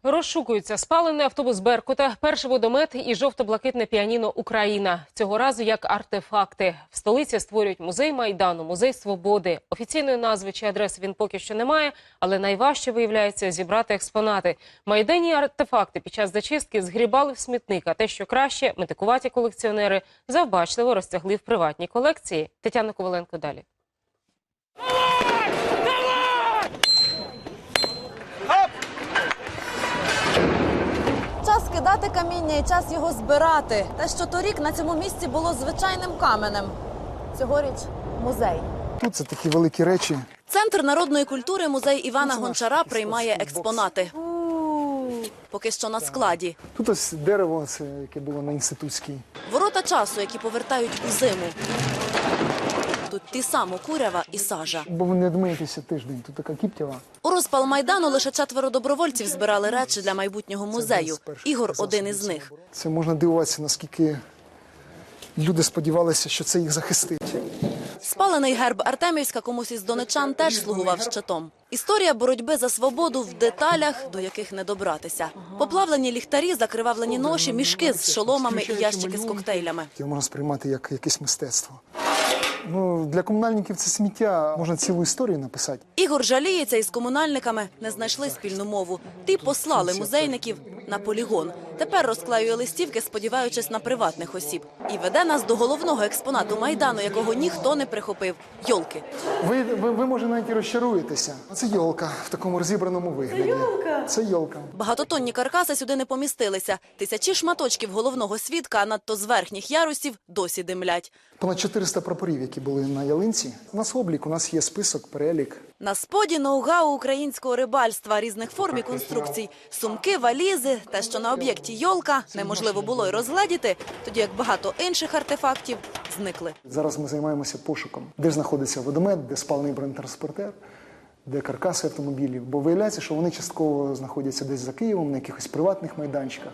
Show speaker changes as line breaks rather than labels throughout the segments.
Розшукуються спалений автобус «Беркута», перший водомет і жовто-блакитне піаніно «Україна». Цього разу як артефакти. В столиці створюють музей Майдану, музей Свободи. Офіційної назви чи адреси він поки що не має, але найважче, виявляється, зібрати експонати. Майданні артефакти під час зачистки згрібали в смітник, а те, що краще, метикуваті колекціонери завбачливо розтягли в приватні колекції. Тетяна Коваленко далі.
Час кидати каміння і час його збирати. Те, що торік на цьому місці було звичайним каменем. Цьогоріч – музей.
Тут це такі великі речі.
Центр народної культури музей Івана Гончара приймає експонати. Поки що на складі.
Тут ось дерево, це, яке було на Інститутській.
Ворота часу, які повертають у зиму. Тут ті само курява і сажа.
Бо ви не дмиєтеся тиждень, тут така кіптєва.
У розпал Майдану лише 4 добровольців збирали речі для майбутнього музею. Ігор – один із них.
Це можна дивуватися, наскільки люди сподівалися, що це їх захистить.
Спалений герб Артемівська комусь із донеччан теж слугував щитом. Історія боротьби за свободу в деталях, до яких не добратися. Поплавлені ліхтарі, закривавлені ноші, мішки з шоломами і ящики з коктейлями.
Його можна сприймати як якесь мистецтво. Ну, для комунальників це сміття, можна цілу історію написати.
Ігор жаліється, із комунальниками не знайшли спільну мову. Ті послали музейників на полігон. Тепер розклеює листівки, сподіваючись на приватних осіб. І веде нас до головного експонату Майдану, якого ніхто не прихопив – йолки.
Ви може, навіть і розчаруєтеся. Це йолка в такому розібраному вигляді. Це йолка? Це йолка.
Багатотонні каркаси сюди не помістилися. Тисячі шматочків головного свідка, а надто з верхніх ярусів, досі димлять.
Понад 400 прапорів, які були на ялинці. У нас облік, у нас є список, перелік.
На споді ноу-гау українського рибальства, різних форм і конструкцій. Сумки, валізи, те, що на об'єкті йолка, неможливо було й розгледіти, тоді як багато інших артефактів зникли.
Зараз ми займаємося пошуком, де знаходиться водомет, де спалений бронетранспортер, де каркаси автомобілів. Бо виявляється, що вони частково знаходяться десь за Києвом, на якихось приватних майданчиках.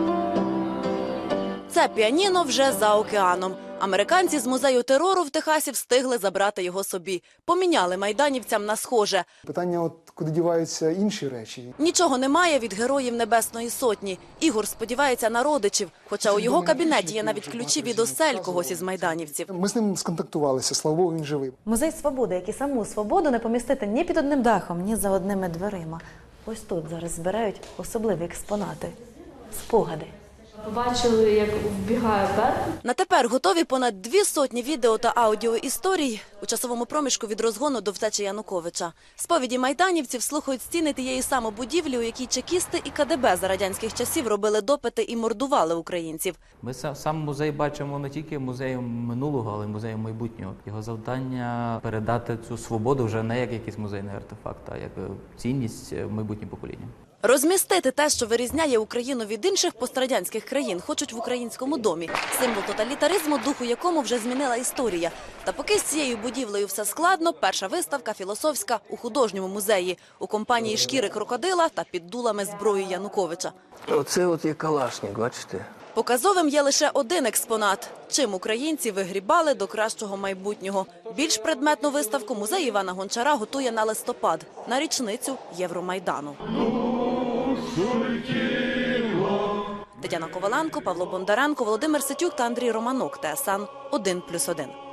Це піаніно вже за океаном. Американці з музею терору в Техасі встигли забрати його собі. Поміняли майданівцям на схоже.
Питання, куди діваються інші речі.
Нічого немає від героїв Небесної Сотні. Ігор сподівається на родичів, хоча у його кабінеті є навіть ключі від осель когось із майданівців.
Ми з ним сконтактувалися, слава Богу, він живий.
Музей Свободи, як і саму свободу не помістити ні під одним дахом, ні за одними дверима. Ось тут зараз збирають особливі експонати – спогади.
Побачили, як вбігає Беркут.
На тепер готові понад 200 відео та аудіоісторій у часовому проміжку від розгону до втечі Януковича. Сповіді майданівців слухають стіни тієї самої будівлі, у якій чекісти і КДБ за радянських часів робили допити і мордували українців.
Ми сам музей бачимо не тільки музеєм минулого, але й музеєм майбутнього. Його завдання – передати цю свободу вже не як якийсь музейний артефакт, а як цінність майбутнім поколінням.
Розмістити те, що вирізняє Україну від інших пострадянських країн, хочуть в Українському домі. Символ тоталітаризму, духу якому вже змінила історія. Та поки з цією будівлею все складно, перша виставка філософська у художньому музеї. У компанії шкіри крокодила та під дулами зброї Януковича.
Оце от є калашник, бачите?
Показовим є лише один експонат. Чим українці вигрібали до кращого майбутнього. Більш предметну виставку музей Івана Гончара готує на листопад, на річницю Євромайдану. Тетяна Коваленко, Павло Бондаренко, Володимир Ситюк та Андрій Романок. ТСН 1+1.